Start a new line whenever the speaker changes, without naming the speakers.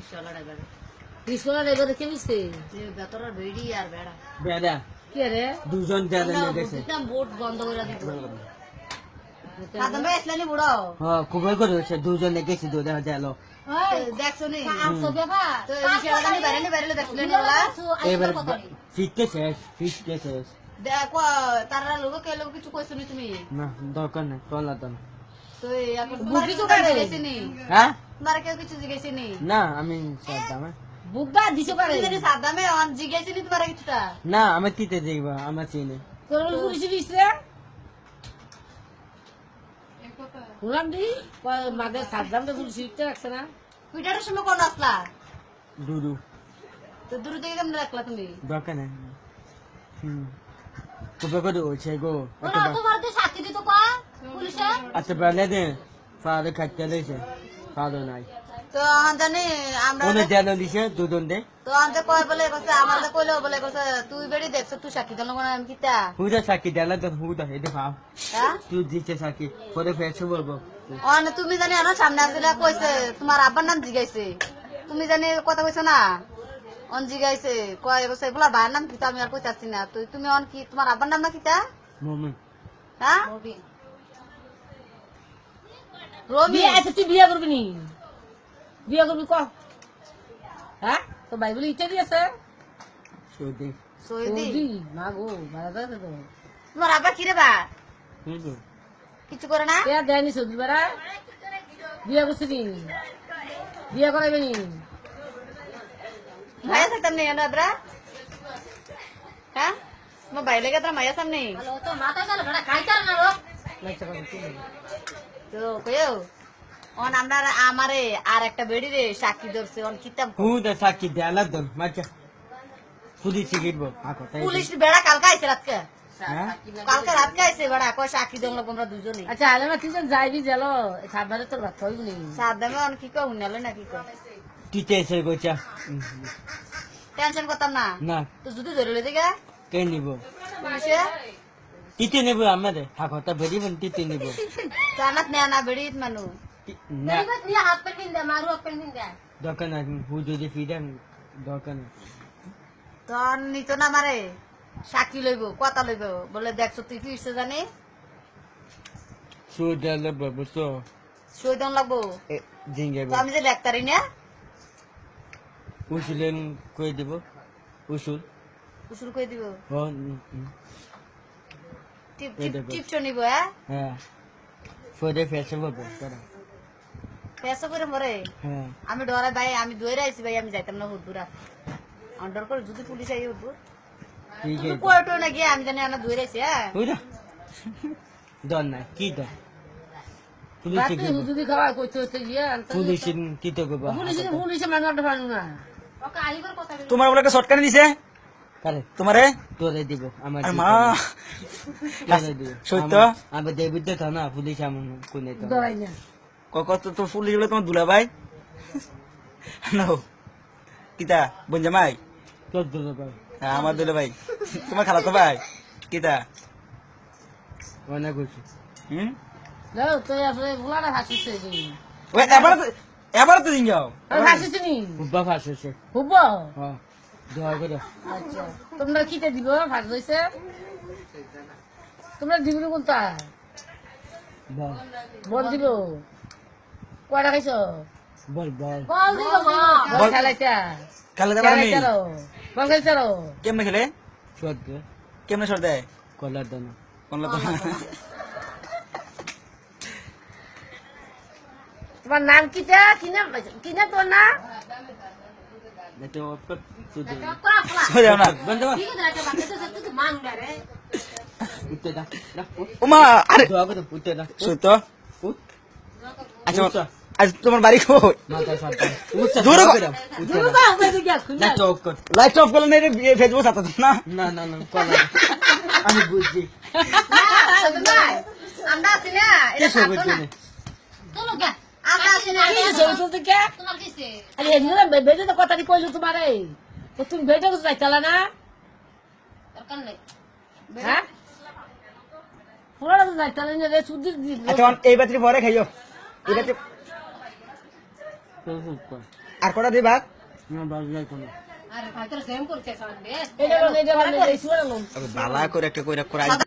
রিস্কলা driver দেখে নিছে
বেতরা বেড়ি আর বেড়া
বেড়া
কি রে
দুজন দেয়া গেছে
বোট বন্ধ করে দিত সাদা ভাই আসলেনি বুড়ো
হ্যাঁ খুবই করে হচ্ছে দুজন গেছি দুধ গেল
দেখছো নি তো এই বাইরে বাইরে দেখলেন বলা
এবার ফিটকে শেষ
দেখো তারা লোক কে লোক কিছু কইছো নি তুমি
না দরকার নেই চলা তো
তো এখন তোমার কিছু জিজ্ঞেস নি
হ্যাঁ
তোমার কেউ কিছু জিজ্ঞেস নি
না আমি সাদামে
বুকবা দিছো পারে
তুমি সাদা মে অন জিজ্ঞেস নি তোমার কিছুটা
না আমি তিতে দেখব আমার চিনি
তোর পুলিশ দিছে শুনলাম দি মাঝে সাদ্দাম তো পুলিশ দিতে রাখছে না
পিটারের সময় কোন আসলা
দুদু
তো দূর থেকে কেমন রাখলা তুমি
দরকার নেই খুবই করে হচ্ছে গো
তোমার তো সাথী দিত পা পুলিশে
আচ্ছা বলে দে ফাদে খাইতে লইছে ফাদে নাই
তো জানি আমরা
ওনে দেয়া দিছে দুজন দে
তো আনতে কয় বলে কইছে আমাদের কইলো বলে কইছে তুই বেড়ি দেখছ তুই সাক্ষী দিল না আমি কিতা
হুদা সাকি দেলা তো হুদা এদে ফাও
হ্যাঁ
তুই দিচ্ছে সাকি পরে ফেসে বলবো
অন তুমি জানি আমার সামনে আসলে কইছে তোমার আব্বার নাম জিগাইছে তুমি জানি কথা কইছো না অন জিগাইছে কয় কইছে বলা ভাইয়ের নাম কিতা আমি আর কইতাছি না তুই তুমি অন কি তোমার আব্বার নাম না কিতা
মমি
হ্যাঁ রবি
বিয়ে আছে তুই বিয়ে করবি নি বিয়ে করবি ক হ্যাঁ তো ভাই বলে ইচ্ছা দিয়েছে
সৌদি
সৈদি
মা গো মারা যাচ্ছে তো
তোমার আব্বা কি রে বা
বুঝলো
কিছু করে না
কে দেয়নি সৌদি বেড়া বিয়ে করছি নি বিয়ে করাইবে নি
মায়া থাকতাম নেই আমরা হ্যাঁ তোমার বাইরে লেগে তোর মায়া সামনে তো কইও অন আমরা আমারে আর একটা বেড়ি রে সাক্ষী ধরছে অন কিতাব
হুদা সাকি দেলা দন মাচা পুলিশ গিরবো আকো তাই
পুলিশ বেড়া কালকে আইছে রাতকে
হ্যাঁ
কালকে রাতকে আইছে বেড়া কয় সাক্ষী দম লোক আমরা দুজনে
আচ্ছা আলে না তুই যেন যাইবি গেল সাবধানে তোর ভাত হইব নি
সাদামে অন কি কও হুনালে না কি কও
টিতে এসে গোচা
টেনশন করতাম না
না
তো যদি ধরে লই দিগা
কে নিব
পুলিশে
টিতে নেব আমাদের থাকো তা বেরি বন টিতে নিব
জানাত না না বেড়ি মানু
না
নিয়ে হাত পে কিন দে মারু হাত পে কিন দে
দরকার নাই হু যদি ফিডান দরকার নাই
তখন নিত না মারে সাক্ষী লইব কথা লইব বলে দেখছো তুই কি ইচ্ছে জানি
সুদালে বাবুসো
সই দন লাগবো
জিঙ্গে
তো আমি যে ডাক্তারি না
উসুলেন কই দিব উসুল
উসুল কই দিব
ও
টিপ
এই
টিপ
দেখো।
টিপ নিব হ্যাঁ
হ্যাঁ ফোদে ফেসে বলবো তোরা
পেশা করে মরে
হ্যাঁ
আমি ডরাই ভাই আমি দৌড়ে আইছি ভাই আমি যাইতাম না হুদুরা অন্ডার করে যদি পুলিশ আই হুদু
ঠিক
তুমি
আছে
কোর্টও না গিয়ে আমি জানি না দৌড়ে আইছি হ্যাঁ
বুঝা দন নাই কি দন পুলিশ
রাতে হুজুরি খাওয়া কইতে হচ্ছে গিয়ে
পুলিশ কি তো গো
পুলিশে মানাটা পারু না
ওকে আইবার কথা
তোমার বলে একটা শর্টকাট দিছে
কারে
তোমারে
তোরে দিব আমার
আরে মা
তোরে দিব
সত্য?
আমি দেবিত তো না পুলিশ আমার কোনে তো
দরাই না
কত তো পুলিশ বলে তোমার দুলা ভাই নো কিতা বঞ্জামাই
তোর দুলো ভাই
হ্যাঁ আমার দুলা ভাই তোমার খালা তো ভাই কিতা
অনেক কিছু
হুম
যাও তুই আসলে বুলাটা হাসিছে
ওই এবার তো দিন যাও
হাসিছে নি
খুব ফাঁসছে
হুব
হ্যাঁ দোয়া করে
আচ্ছা তোমরা কিতে দিব ফাঁস হইছে তোমরা দিবি কোনটা
বল
বল দিব কয়টা খাইছো
বল বল
বল দিব বল খেলাইতা
খেলে দেবার নেই
খেলাইতারো বল খেলতারো
কেমনে খেলে
সদ্য
কেমনে শর্ট দেয়
কলার দানা
কোন তো
তোমার নাম কিটা কি নাম তোর না
এটা অপর সুদে
সোজা না
বন্ধ উঠতে দা
ওমা আরে
দোয়া করে উঠতে দা
সত্য
উঠ
আচ্ছা আজ তোমার বাড়ি কই
মাথা সাথে উঠতে
দূর
দূর
হ।
করে উঠতে
দুরু
দা
বা হবে গিয়া
না
খুঁজা
চোখ কর
লাইট অফ করলে না ফেসবুক সাথে না
না না না কলা আমি বুঝছি
আমরা আছি না
কে
এটা
সব
থাকতো না
বুঝছি
চলো গা আমরা আছি না
কি ছবি তুলতে কে
তোমার কিসে
আরে এগুলো বেজে তো কথাটি কইলো তোমারে তো তুমি বেজে তো যাইতালা না
দরকার নাই
হ্যাঁ পুরা তো যাইতালা না রে সুদির দি
আচ্ছা এই বাতি পরে খাইও এই বাতি
তোর চুপ কর
আর কটা দিবা
না বাজ যাই কোনো
এটা বানাই, এই শুনে
বালা করে একটা কইরা করাই